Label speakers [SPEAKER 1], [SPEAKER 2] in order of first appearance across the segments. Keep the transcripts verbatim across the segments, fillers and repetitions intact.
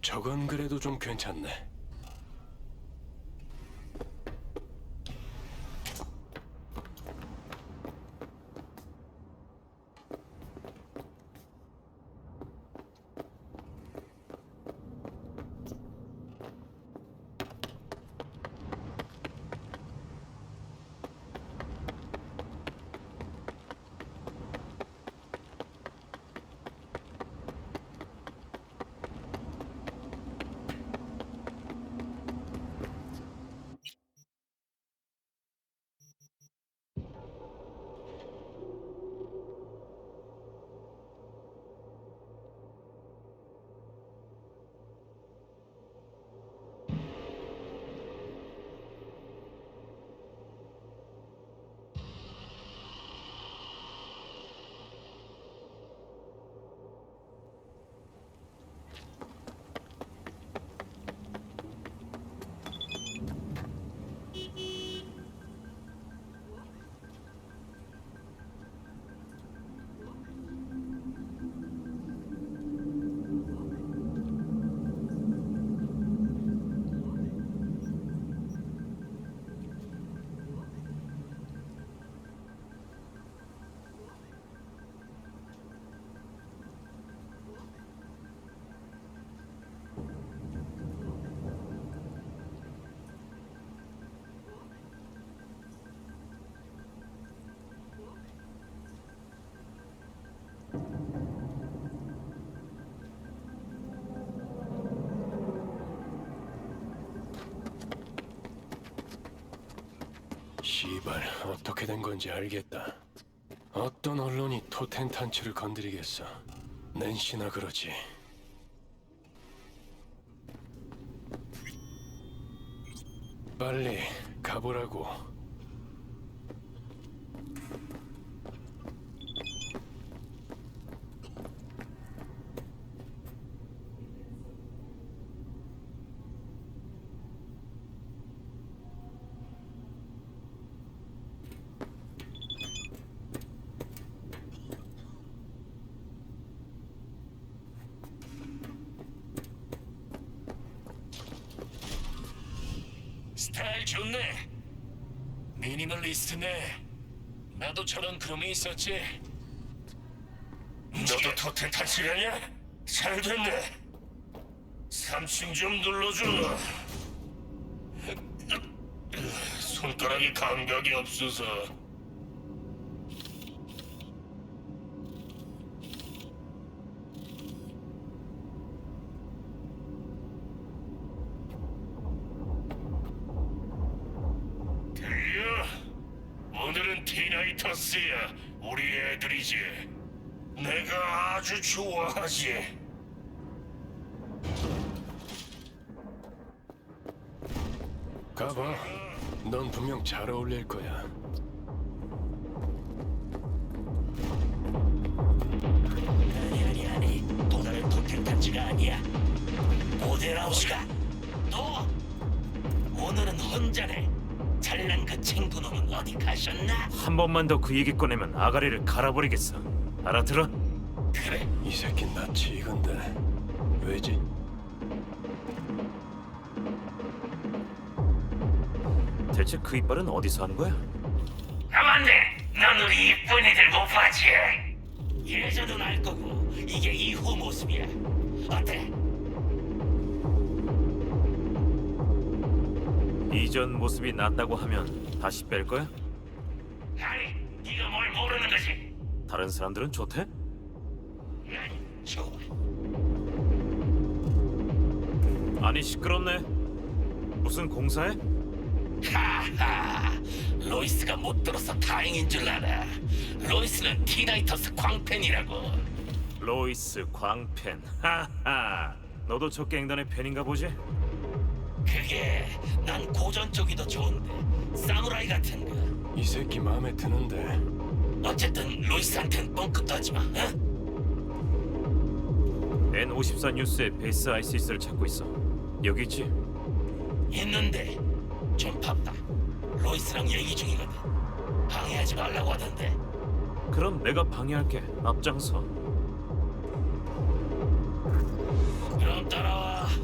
[SPEAKER 1] 저건 그래도 좀 괜찮네. 시발, 어떻게 된 건지 알겠다. 어떤 언론이 토텐 탄치를 건드리겠어. 낸시나 그러지. 빨리 가보라고.
[SPEAKER 2] 스타일 좋네. 미니멀리스트네. 나도 저런 그rum이 있었지. 너도 토텐 탈출하냐? 잘 됐네. 삼 층 좀 눌러줘. 손가락이 감각이 없어서. 들려? 오늘은 티나이터스야. 우리 애들이지. 내가 아주 좋아하지.
[SPEAKER 1] 가봐. 넌 분명 잘 어울릴 거야.
[SPEAKER 2] 아니 아니 아니. 또 다른 토텐 단지가 아니야. 모델하우스가. 너 오늘은 혼자네. 잘난 그 친구놈은 어디 가셨나?
[SPEAKER 3] 한 번만 더 그 얘기 꺼내면 아가리를 갈아버리겠어. 알아들어?
[SPEAKER 2] 그래.
[SPEAKER 1] 이 새끼 낯이 익은데 왜지?
[SPEAKER 3] 대체 그 이빨은 어디서 하는 거야?
[SPEAKER 2] 가만돼. 넌 우리 이쁜이들 못 봤지? 예전은 알 거고 이게 이후 모습이야. 어때?
[SPEAKER 3] 이전 모습이 낫다고 하면 다시 뺄 거야?
[SPEAKER 2] 아니, 네가 뭘 모르는 거지?
[SPEAKER 3] 다른 사람들은 좋대?
[SPEAKER 2] 난 좋아.
[SPEAKER 3] 아니 시끄럽네. 무슨 공사해?
[SPEAKER 2] 하하. 로이스가 못 들어서 다행인 줄 알아. 로이스는 티나이터스 광팬이라고.
[SPEAKER 3] 로이스 광팬. 하하. 너도 저 갱단의 팬인가 보지?
[SPEAKER 2] 그게 난 고전 쪽이 더 좋은데 사무라이 같은 거.
[SPEAKER 1] 이 새끼 마음에 드는데.
[SPEAKER 2] 어쨌든 로이스한텐 뻥끗도 하지 마. 어?
[SPEAKER 3] 엔 오십사 뉴스에 베이스 아이시스를 찾고 있어. 여기 있지?
[SPEAKER 2] 있는데 좀 바빠. 로이스랑 얘기 중이거든. 방해하지 말라고 하던데.
[SPEAKER 3] 그럼 내가 방해할게. 앞장서.
[SPEAKER 2] 그럼 따라와.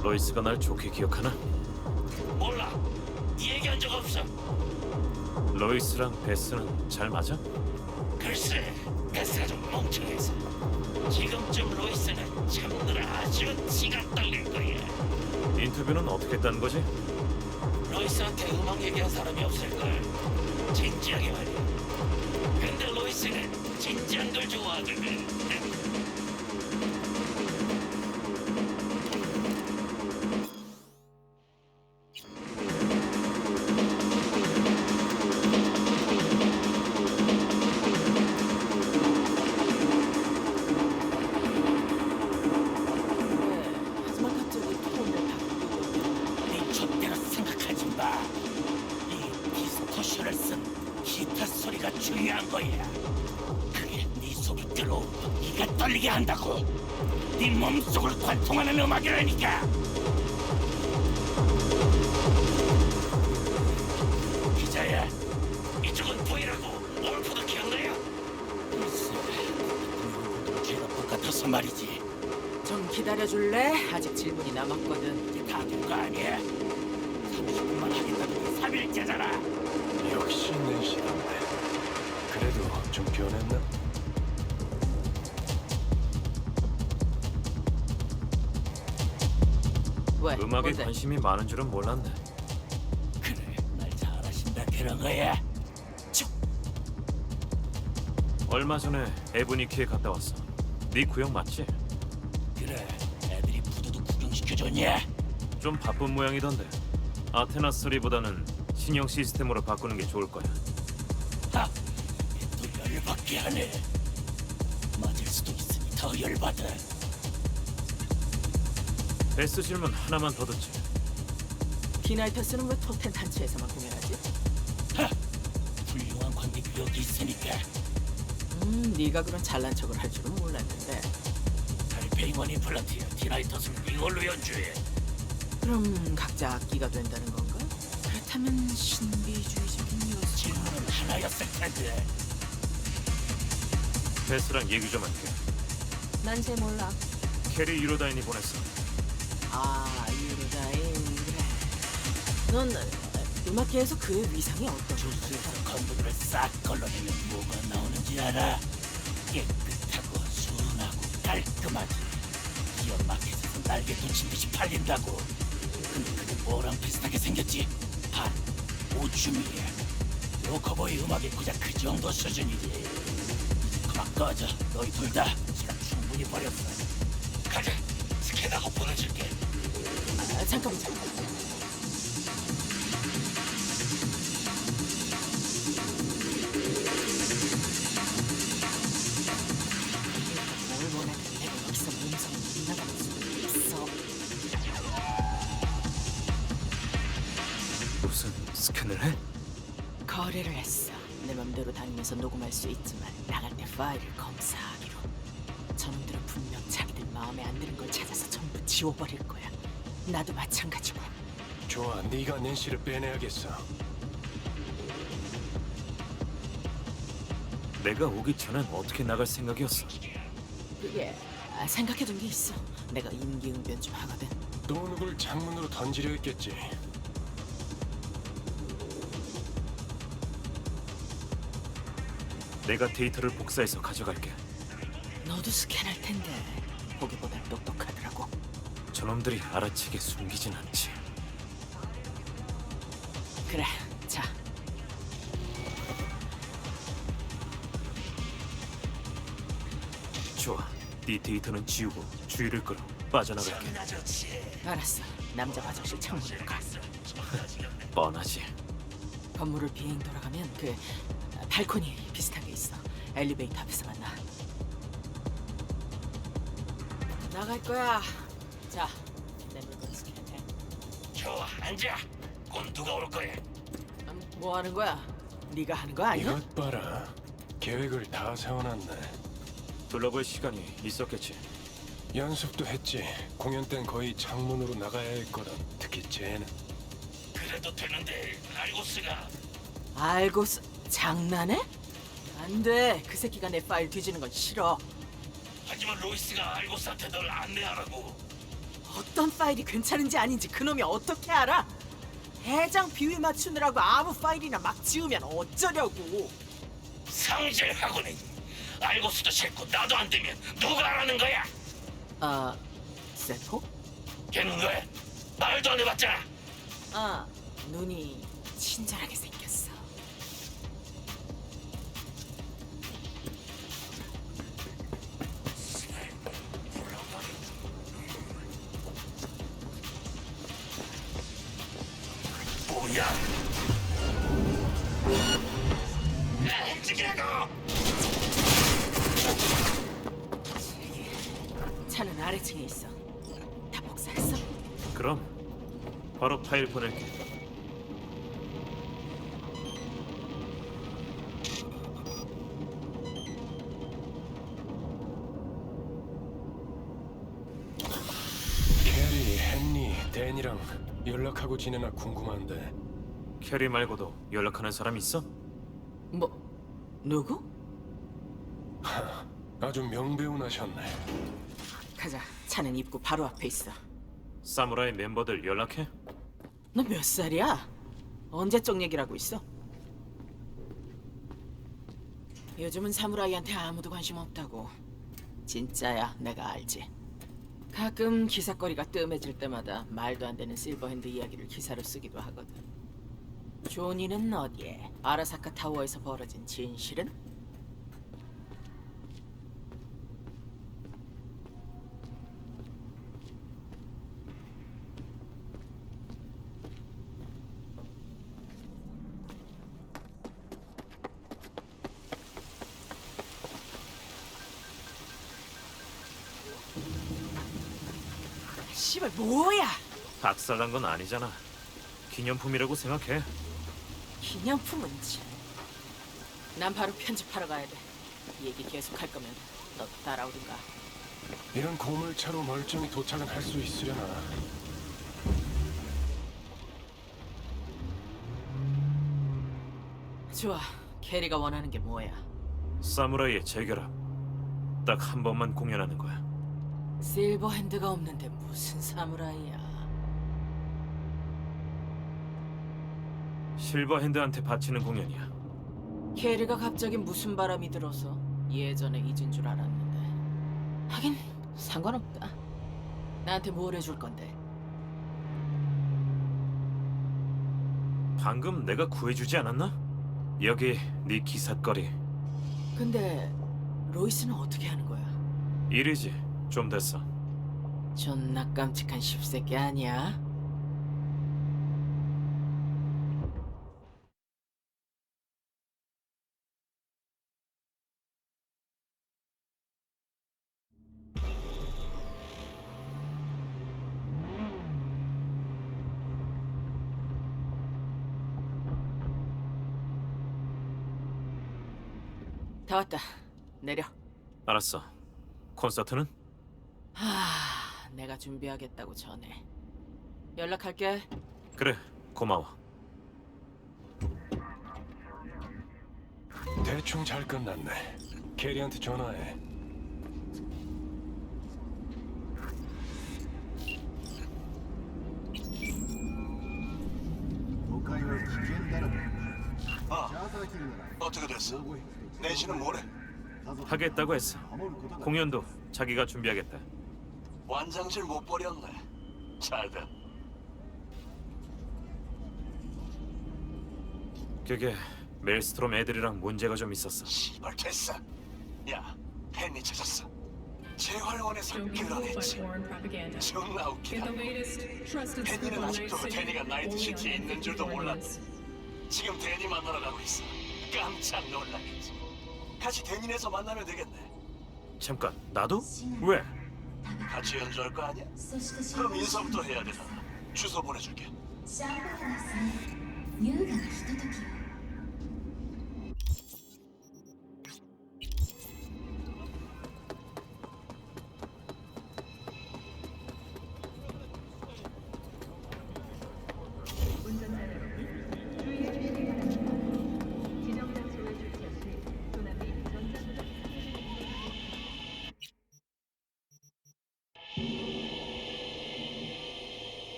[SPEAKER 3] 로이스가 날 좋게 기억하나?
[SPEAKER 2] 몰라. 네 얘기한 적 없어.
[SPEAKER 3] 로이스랑 베스는 잘 맞아?
[SPEAKER 2] 글쎄, 베스가 좀 멍청해서. 지금쯤 로이스는 참느라 아주 지가 떨릴 거야.
[SPEAKER 3] 인터뷰는 어떻게 했다는 거지?
[SPEAKER 2] 로이스한테 음악 얘기한 사람이 없을걸. 진지하게 말이야. 근데 로이스는 진지한 걸 좋아하거든.
[SPEAKER 4] 하지만 갑자기 톤을 바꾸고
[SPEAKER 2] 네 족대로 생각하지 마. 이 디스토션을 쓴 기타 소리가 중요한 거야. 그게 네 속이 들어오고 네가 떨리게 한다고. 네 몸속을 관통하는 음악이라니까. 기자야, 이쪽은 보이라고. 올프도 기억나요? 글쎄, 죄가 똑같아서 말이지.
[SPEAKER 4] 좀 기다려줄래? 아직 질문이 남았거든.
[SPEAKER 2] 이제 다 된 거 아니야? 삼십 분만 하겠다더니 삼 일째잖아.
[SPEAKER 1] 역시 낸시던데. 그래도 좀 변했나?
[SPEAKER 4] 왜?
[SPEAKER 3] 음악에
[SPEAKER 4] 뭔데?
[SPEAKER 3] 관심이 많은 줄은 몰랐네.
[SPEAKER 2] 그래, 날 잘하신다 그런 거야.
[SPEAKER 3] 얼마 전에 에브니키에 갔다 왔어. 네 구역 맞지?
[SPEAKER 2] 그래, 애들이 부두도 구경시켜줬냐?
[SPEAKER 3] 좀 바쁜 모양이던데. 아테나 쓰리보다는 신형 시스템으로 바꾸는 게 좋을 거야.
[SPEAKER 2] 하, 또 열받게 하네. 맞을 수도 있으니 더 열받아.
[SPEAKER 3] 베스 질문 하나만 더 듣지.
[SPEAKER 4] 비나이터스는 왜 토텐 단체에서만 공연하지?
[SPEAKER 2] 하, 훌륭한 관객이 여기 있으니까.
[SPEAKER 4] 음, 네가 그런 잘난 척을 할 줄은 몰랐는데.
[SPEAKER 2] 달팽이원 임플란트야. 디나이터스는 이걸로 연주해.
[SPEAKER 4] 그럼 각자 악기가 된다는 건가? 그렇다면 신비주의적인 요소.
[SPEAKER 2] 질문은 하나였을 텐데.
[SPEAKER 3] 베스랑 얘기 좀 할게.
[SPEAKER 4] 난 잘 몰라.
[SPEAKER 3] 캐리 유로다인이 보냈어.
[SPEAKER 4] 아, 유로다인 그래. 넌 음악계에서 그의 위상이 어떤?
[SPEAKER 2] 주스에서 건물을 싹 걸러내면 뭐가 나오는지 알아? 깨끗하고 순하고 깔끔하지. 기업 마켓에서 날개 돋친 듯이 팔린다고. 근데 그게 뭐랑 비슷하게 생겼지? 한 오줌이야. 로커보이 음악이 고작 그 정도 수준이지. 이제 그만 꺼져. 너희 둘 다 시간 충분히 버렸어. 가자. 스캔하고 보내줄게.
[SPEAKER 4] 아, 잠깐만 잠깐. 뭘 원하든 내가 여기서 몸성을 나가는 수 있어.
[SPEAKER 3] 무슨 스캔을 해?
[SPEAKER 4] 거래를 했어. 내 맘대로 다니면서 녹음할 수 있지만 나갈 때 파일을 검사하기로. 저놈들은 분명 자기들 마음에 안 드는 걸 찾아서 전부 지워버릴 거야. 나도 마찬가지고.
[SPEAKER 1] 좋아, 네가 낸시를 빼내야겠어.
[SPEAKER 3] 내가 오기 전엔 어떻게 나갈 생각이었어?
[SPEAKER 4] 그게 아, 생각해둔 게 있어. 내가 임기응변 좀 하거든.
[SPEAKER 1] 또 누굴 창문으로 던지려 했겠지.
[SPEAKER 3] 내가 데이터를 복사해서 가져갈게.
[SPEAKER 4] 너도 스캔할 텐데 보기보단 똑똑하더라고.
[SPEAKER 3] 저놈들이 알아채게 숨기진 않지.
[SPEAKER 4] 그래, 자.
[SPEAKER 3] 좋아. 네 데이터는 지우고 주의를 끌어 빠져나갈게.
[SPEAKER 2] 존나 좋지.
[SPEAKER 4] 알았어. 남자 화장실 창문으로 가.
[SPEAKER 3] 뻔하지.
[SPEAKER 4] 건물을 비행 돌아가면 그 아, 발코니 비슷한 게 있어. 엘리베이터 앞에서 만나. 나갈 거야. 자, 내 물건 스캔해.
[SPEAKER 2] 좋아, 앉아. 곧 누가 올 거야?
[SPEAKER 4] 음, 뭐 하는 거야? 네가 하는 거 아니야?
[SPEAKER 1] 이것 봐라. 계획을 다 세워놨네.
[SPEAKER 3] 둘러볼 시간이 있었겠지.
[SPEAKER 1] 연습도 했지. 공연 땐 거의 창문으로 나가야 했거든. 특히 쟤는.
[SPEAKER 2] 그래도 되는데 알고스가.
[SPEAKER 4] 알고서 장난해? 안 돼. 그 새끼가 내 파일 뒤지는 건 싫어.
[SPEAKER 2] 하지만 로이스가 알고스한테 널 안내하라고.
[SPEAKER 4] 어떤 파일이 괜찮은지 아닌지 그놈이 어떻게 알아? 대장 비위 맞추느라고 아무 파일이나 막 지우면 어쩌려고.
[SPEAKER 2] 상질하고는 알고서도 싫고 나도 안 되면 누가 하라는 거야?
[SPEAKER 4] 아, 세포?
[SPEAKER 2] 걔는 왜? 말도 안 해봤잖아.
[SPEAKER 4] 아, 눈이 친절하게 생겼어.
[SPEAKER 2] 뭐야? 야, 움직이라고!
[SPEAKER 4] 차는 아래층에 있어. 다 복사했어?
[SPEAKER 3] 그럼 바로 파일 보낼게.
[SPEAKER 1] 캐리, 헨리, 댄이랑 연락하고 지내나 궁금한데.
[SPEAKER 3] 캐리 말고도 연락하는 사람 있어?
[SPEAKER 4] 뭐, 누구?
[SPEAKER 1] 아주 명배운하셨네.
[SPEAKER 4] 가자. 차는 입구 바로 앞에 있어.
[SPEAKER 3] 사무라이 멤버들 연락해?
[SPEAKER 4] 너 몇 살이야? 언제적 얘기라고 있어? 요즘은 사무라이한테 아무도 관심 없다고. 진짜야, 내가 알지. 가끔 기사거리가 뜸해질 때마다 말도 안 되는 실버핸드 이야기를 기사로 쓰기도 하거든. 조니는 어디에? 아라사카 타워에서 벌어진 진실은? 씨발 뭐야?
[SPEAKER 3] 박살난 건 아니잖아. 기념품이라고 생각해.
[SPEAKER 4] 기념품은 참. 난 바로 편집하러 가야 돼. 이 얘기 계속 할 거면 너 따라오든가.
[SPEAKER 1] 이런 고물차로 멀쩡히 도착은 할 수 있으려나.
[SPEAKER 4] 좋아. 캐리가 원하는 게 뭐야?
[SPEAKER 3] 사무라이의 재결합. 딱 한 번만 공연하는 거야.
[SPEAKER 4] 실버핸드가 없는데 무슨 사무라이야?
[SPEAKER 3] 실버핸드한테 바치는 공연이야.
[SPEAKER 4] 캐리가 갑자기 무슨 바람이 들어서 예전에 잊은 줄 알았는데. 하긴 상관없다. 나한테 뭘 해줄 건데?
[SPEAKER 3] 방금 내가 구해주지 않았나? 여기 네 기삿거리.
[SPEAKER 4] 근데 로이스는 어떻게 하는 거야?
[SPEAKER 3] 일이지. 좀 됐어.
[SPEAKER 4] 존나 깜찍한 십새끼 아니야? 다 왔다. 내려.
[SPEAKER 3] 알았어. 콘서트는?
[SPEAKER 4] 하, 내가 준비하겠다고 전해. 연락할게.
[SPEAKER 3] 그래. 고마워.
[SPEAKER 1] 대충 잘 끝났네. 캐리한테 전화해.
[SPEAKER 5] 어떻게 됐어? 내신은 뭐래?
[SPEAKER 3] 하겠다고 했어. 공연도 자기가 준비하겠다.
[SPEAKER 5] 완장질 못 버렸네. 잘돼.
[SPEAKER 3] 그게 멜스트롬 애들이랑 문제가 좀 있었어.
[SPEAKER 5] 시발 됐어. 야, 팬이 찾았어. 재활원에서
[SPEAKER 6] Don't be fooled by
[SPEAKER 5] 끌어냈지.
[SPEAKER 6] foreign propaganda.
[SPEAKER 5] 존나
[SPEAKER 6] Get
[SPEAKER 5] 웃기다.
[SPEAKER 6] the latest, trusted
[SPEAKER 5] 팬이는
[SPEAKER 6] scoop on
[SPEAKER 5] 아직도
[SPEAKER 6] Night City
[SPEAKER 5] 데니가 나이트
[SPEAKER 6] only on
[SPEAKER 5] 시티에 있는 줄도
[SPEAKER 6] N
[SPEAKER 5] 몰랐네.
[SPEAKER 6] fifty-four
[SPEAKER 5] 지금 데니 만나러 가고 있어. 깜짝 놀라겠지. 같이 데니에서 만나면 되겠네.
[SPEAKER 3] 잠깐, 나도? 왜?
[SPEAKER 5] 같이 연주할 거 아니야? 그럼 인사부터 해야 되잖아. 주소 보내줄게.
[SPEAKER 7] シャンパンはですね優雅なひとときを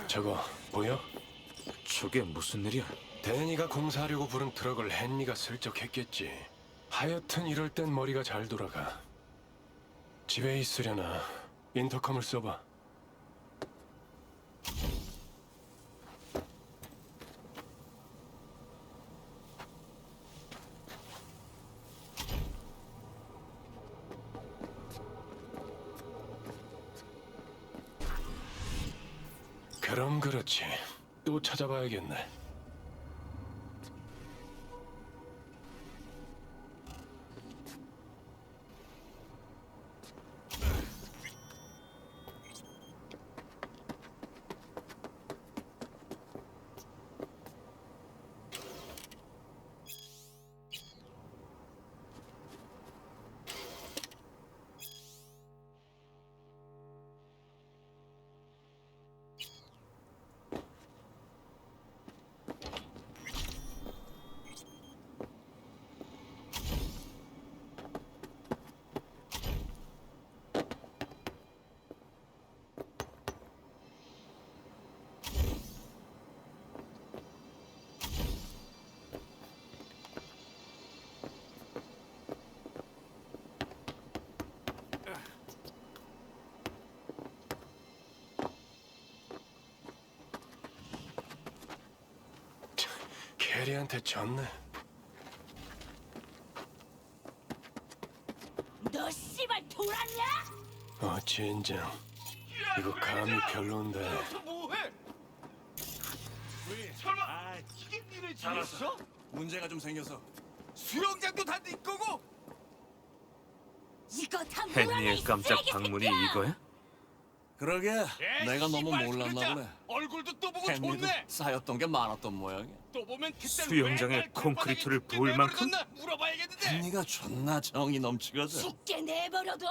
[SPEAKER 1] 저거 보여?
[SPEAKER 3] 저게 무슨 일이야?
[SPEAKER 1] 데니가 공사하려고 부른 트럭을 헨리가 슬쩍 했겠지. 하여튼 이럴 땐 머리가 잘 돌아가. 집에 있으려나 인터컴을 써봐. 그럼 그렇지. 또 찾아봐야겠네. 캐리한테 졌네.
[SPEAKER 4] 너 씨발 돌았냐?
[SPEAKER 1] 어, 젠장. 이거 감이 별론데.
[SPEAKER 5] 설마 이게 니네 집이었어? 문제가 좀 생겨서 수영장도 다 네 거고.
[SPEAKER 4] 이거 다
[SPEAKER 3] 헨리의 깜짝 방문이 이거야?
[SPEAKER 5] 그러게 내가 너무 몰랐나 보네.
[SPEAKER 8] 얼굴도 또 보고
[SPEAKER 5] henry도
[SPEAKER 8] 좋네.
[SPEAKER 5] 쌓였던 게 많았던 모양이야.
[SPEAKER 8] 또 보면 그때
[SPEAKER 3] 수영장에
[SPEAKER 8] 왜
[SPEAKER 3] 콘크리트를
[SPEAKER 8] 발바닥에
[SPEAKER 3] 부을
[SPEAKER 8] 왜
[SPEAKER 3] 만큼?
[SPEAKER 8] 묻었나 물어봐야겠는데.
[SPEAKER 5] 헨리가 존나 정이 넘치거든.
[SPEAKER 4] 죽게 내버려둬?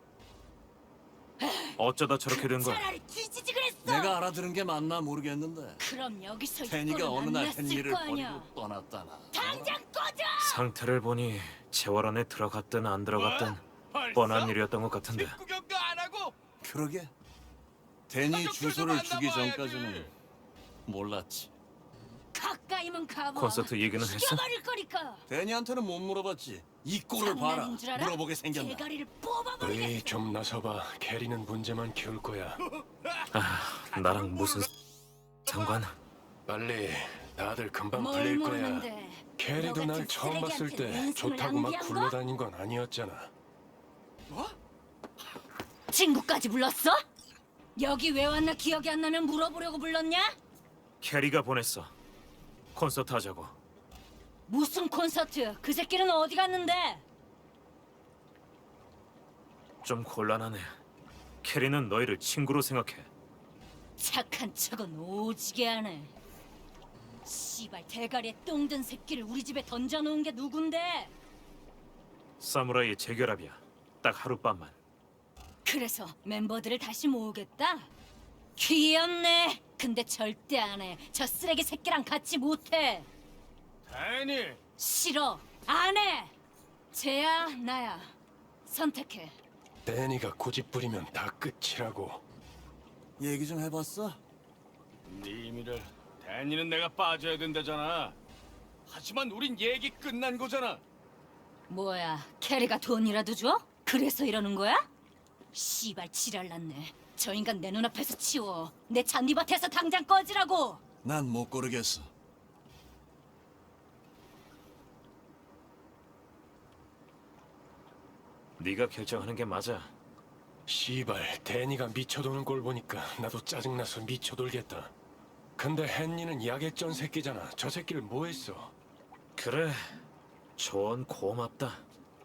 [SPEAKER 3] 어쩌다 저렇게 된 거야?
[SPEAKER 4] 차라리 뒤지지 그랬어.
[SPEAKER 5] 내가 알아들은 게 맞나 모르겠는데
[SPEAKER 4] 그럼 여기서
[SPEAKER 5] 헨리가
[SPEAKER 4] 이거는
[SPEAKER 5] 어느
[SPEAKER 4] 안
[SPEAKER 5] 날
[SPEAKER 4] 났을
[SPEAKER 5] 헨리를
[SPEAKER 4] 거 아니야.
[SPEAKER 5] 버리고 떠났다나.
[SPEAKER 4] 당장 꺼져.
[SPEAKER 3] 상태를 보니 재활 안에 들어갔든 안 들어갔든
[SPEAKER 8] 벌써?
[SPEAKER 3] 뻔한 일이었던 것 같은데.
[SPEAKER 8] 구경도 안 하고.
[SPEAKER 5] 그러게 데니
[SPEAKER 8] 가족들도
[SPEAKER 5] 주소를 주기
[SPEAKER 8] 만나봐야지.
[SPEAKER 5] 전까지는 몰랐지.
[SPEAKER 4] 가까이면 가봐.
[SPEAKER 3] 콘서트 얘기는 했어?
[SPEAKER 4] 죽여버릴 거니까.
[SPEAKER 5] 데니한테는 못 물어봤지. 이 꼴을 봐라.
[SPEAKER 4] 장난인 줄 알아?
[SPEAKER 5] 물어보게 생겼나.
[SPEAKER 4] 대가리를 뽑아버리겠어.
[SPEAKER 1] 우리 좀 나서봐. 캐리는 문제만 키울 거야.
[SPEAKER 3] 아, 나랑 무슨 상관?
[SPEAKER 1] 빨리. 다들 금방
[SPEAKER 4] 뭘
[SPEAKER 1] 풀릴 거야.
[SPEAKER 4] 모르는데.
[SPEAKER 1] 캐리도
[SPEAKER 4] 너
[SPEAKER 1] 날
[SPEAKER 4] 같은
[SPEAKER 1] 처음 봤을
[SPEAKER 4] 쓰레기한테
[SPEAKER 1] 때
[SPEAKER 4] 인생을
[SPEAKER 1] 좋다고 막
[SPEAKER 4] 낭비한 거?
[SPEAKER 1] 굴러다닌 건 아니었잖아.
[SPEAKER 4] 친구까지 불렀어? 여기 왜 왔나 기억이 안 나면 물어보려고 불렀냐?
[SPEAKER 3] 캐리가 보냈어. 콘서트 하자고.
[SPEAKER 4] 무슨 콘서트? 그 새끼는 어디 갔는데?
[SPEAKER 3] 좀 곤란하네. 캐리는 너희를 친구로 생각해.
[SPEAKER 4] 착한 척은 오지게 하네. 씨발 대가리에 똥 든 새끼를 우리 집에 던져놓은 게 누군데?
[SPEAKER 3] 사무라이의 재결합이야. 딱 하룻밤만.
[SPEAKER 4] 그래서 멤버들을 다시 모으겠다? 귀엽네. 근데 절대 안 해. 저 쓰레기 새끼랑 같이 못해.
[SPEAKER 8] 다니.
[SPEAKER 4] 싫어. 안 해. 쟤야 나야. 선택해.
[SPEAKER 1] 데니가 고집 부리면 다 끝이라고.
[SPEAKER 5] 얘기 좀 해봤어?
[SPEAKER 8] 네 의미를 다니는 내가 빠져야 된다잖아. 하지만 우린 얘기 끝난 거잖아.
[SPEAKER 4] 뭐야, 캐리가 돈이라도 줘? 그래서 이러는 거야? 씨발 지랄났네. 저 인간 내 눈앞에서 치워. 내 잔디밭에서 당장 꺼지라고.
[SPEAKER 5] 난 못 고르겠어.
[SPEAKER 3] 네가 결정하는 게 맞아.
[SPEAKER 1] 씨발, 데니가 미쳐도는 꼴 보니까 나도 짜증나서 미쳐돌겠다. 근데 헨리는 야객전 새끼잖아. 저 새끼를 뭐 했어?
[SPEAKER 3] 그래. 조언 고맙다.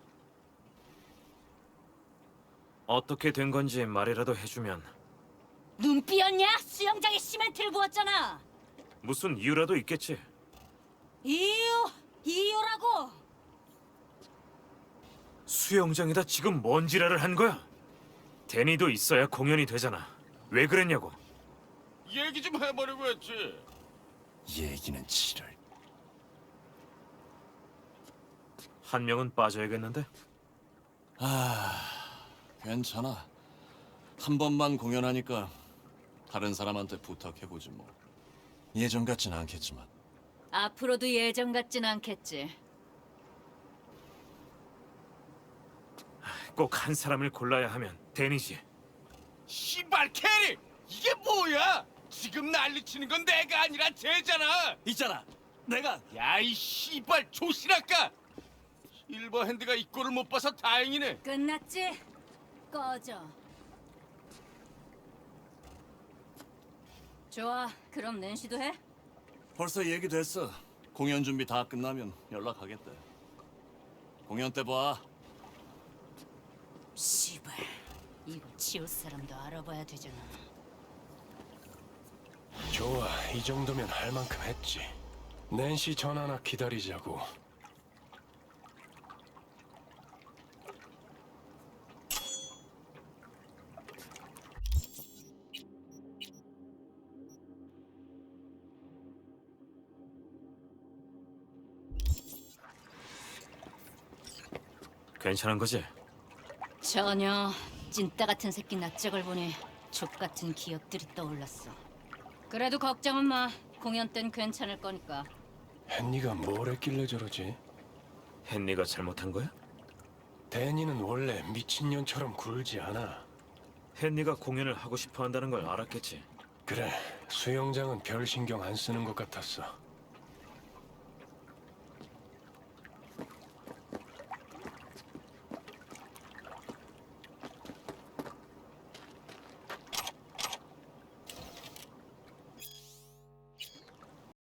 [SPEAKER 3] 어떻게 된 건지 말이라도 해주면.
[SPEAKER 4] 눈 삐었냐? 수영장에 시멘트를 부었잖아.
[SPEAKER 3] 무슨 이유라도 있겠지.
[SPEAKER 4] 이유, 이유라고.
[SPEAKER 3] 수영장에다 지금 뭔 지랄을 한 거야? 데니도 있어야 공연이 되잖아. 왜 그랬냐고.
[SPEAKER 8] 얘기 좀 해보려고 했지.
[SPEAKER 5] 얘기는 지랄.
[SPEAKER 3] 한 명은 빠져야겠는데?
[SPEAKER 5] 아, 괜찮아. 한 번만 공연하니까 다른 사람한테 부탁해보지 뭐. 예전 같진 않겠지만.
[SPEAKER 9] 앞으로도 예전 같진 않겠지.
[SPEAKER 3] 꼭 한 사람을 골라야 하면 데니지.
[SPEAKER 8] 씨발 캐리! 이게 뭐야? 지금 난리치는 건 내가 아니라 쟤잖아.
[SPEAKER 5] 있잖아. 내가
[SPEAKER 8] 야이 씨발 조신할까? 실버핸드가 이 꼴을 못 봐서 다행이네.
[SPEAKER 9] 끝났지? 꺼져. 좋아, 그럼 낸시도 해?
[SPEAKER 5] 벌써 얘기됐어. 공연 준비 다 끝나면 연락하겠대. 공연 때 봐.
[SPEAKER 9] 씨발, 이거 치울 사람도 알아봐야 되잖아.
[SPEAKER 1] 좋아, 이 정도면 할 만큼 했지. 낸시 전화나 기다리자고.
[SPEAKER 3] 괜찮은 거지?
[SPEAKER 9] 전혀. 찐따 같은 새끼 낯짝을 보니 족 같은 기억들이 떠올랐어. 그래도 걱정은 마. 공연 땐 괜찮을 거니까.
[SPEAKER 1] 헨리가 뭘 했길래 저러지?
[SPEAKER 3] 헨리가 잘못한 거야?
[SPEAKER 1] 데니는 원래 미친년처럼 굴지 않아.
[SPEAKER 3] 헨리가 공연을 하고 싶어 한다는 걸 알았겠지.
[SPEAKER 1] 그래, 수영장은 별 신경 안 쓰는 것 같았어.